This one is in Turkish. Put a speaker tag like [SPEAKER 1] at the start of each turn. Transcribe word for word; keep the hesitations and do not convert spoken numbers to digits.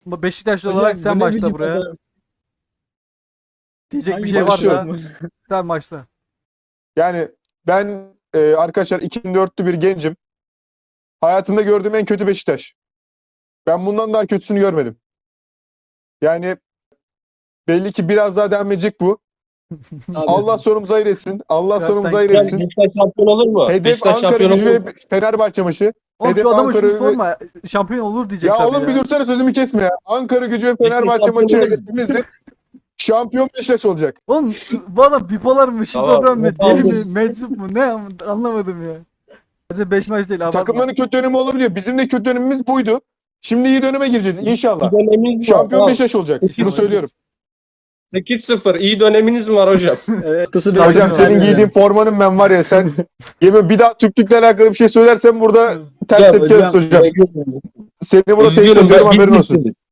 [SPEAKER 1] Beşiktaşlı
[SPEAKER 2] Hocam,
[SPEAKER 1] olarak sen
[SPEAKER 2] bu ne
[SPEAKER 1] başla
[SPEAKER 2] biçim
[SPEAKER 1] buraya.
[SPEAKER 2] pazar-
[SPEAKER 1] Diyecek
[SPEAKER 2] Hangi
[SPEAKER 1] bir şey varsa
[SPEAKER 3] başlıyorum?
[SPEAKER 1] sen başla.
[SPEAKER 3] Yani ben e, arkadaşlar iki bin dörtlü bir gencim. Hayatımda gördüğüm en kötü Beşiktaş. Ben bundan daha kötüsünü görmedim. Yani belli ki biraz daha devam edecek bu.
[SPEAKER 2] Abi,
[SPEAKER 3] Allah sonumuzu hayır etsin. Allah
[SPEAKER 1] Zaten-
[SPEAKER 3] sonumuzu hayır
[SPEAKER 4] Hocam
[SPEAKER 3] etsin.
[SPEAKER 4] Beşiktaş şampiyon olur mu?
[SPEAKER 3] Hedef
[SPEAKER 4] Beşiktaş
[SPEAKER 3] Ankara
[SPEAKER 4] şampiyon
[SPEAKER 3] Gücü
[SPEAKER 4] olur mu?
[SPEAKER 3] ve Fenerbahçe maçı.
[SPEAKER 1] Oğlum
[SPEAKER 3] Hedef
[SPEAKER 1] şu adama
[SPEAKER 3] Ankara
[SPEAKER 1] şunu
[SPEAKER 3] ve-
[SPEAKER 1] sorma. Şampiyon olur diyecek
[SPEAKER 3] Ya
[SPEAKER 1] tabii
[SPEAKER 3] oğlum
[SPEAKER 1] ya.
[SPEAKER 3] bir dursana sözümü kesme ya. Ankara Gücü ve Fenerbahçe
[SPEAKER 4] şampiyon
[SPEAKER 3] maçı
[SPEAKER 4] olur.
[SPEAKER 3] hedefimizdir. Şampiyon Beşiktaş olacak.
[SPEAKER 1] Oğlum bu adam bipolar mı, şizofren mi,
[SPEAKER 4] Tamam,
[SPEAKER 1] deli mi,
[SPEAKER 4] tamam.
[SPEAKER 1] meczup mu, ne anlamadım ya. Sadece beş maç değil abartma.
[SPEAKER 3] Takımların kötü dönemi olabiliyor. Bizim de kötü dönemimiz buydu. Şimdi iyi döneme gireceğiz inşallah.
[SPEAKER 4] İyi döneminiz var.
[SPEAKER 3] Şampiyon
[SPEAKER 4] Tamam.
[SPEAKER 3] Beşiktaş olacak. Bunu
[SPEAKER 1] İnşallah.
[SPEAKER 3] söylüyorum.
[SPEAKER 4] sekiz sıfır iyi döneminiz var hocam.
[SPEAKER 2] evet. Tusu
[SPEAKER 1] Hocam,
[SPEAKER 3] Hocam
[SPEAKER 1] Aynen
[SPEAKER 3] senin
[SPEAKER 2] öyle.
[SPEAKER 3] giydiğin formanın ben var ya sen yemin bir daha Türklükle alakalı bir şey söylersen burada ters
[SPEAKER 4] Hocam,
[SPEAKER 3] tepki alırız hocam. Seni burada tehdit
[SPEAKER 4] Üzgünüm
[SPEAKER 3] ediyorum
[SPEAKER 4] ben
[SPEAKER 3] haberin olsun.
[SPEAKER 4] Bitlis'im.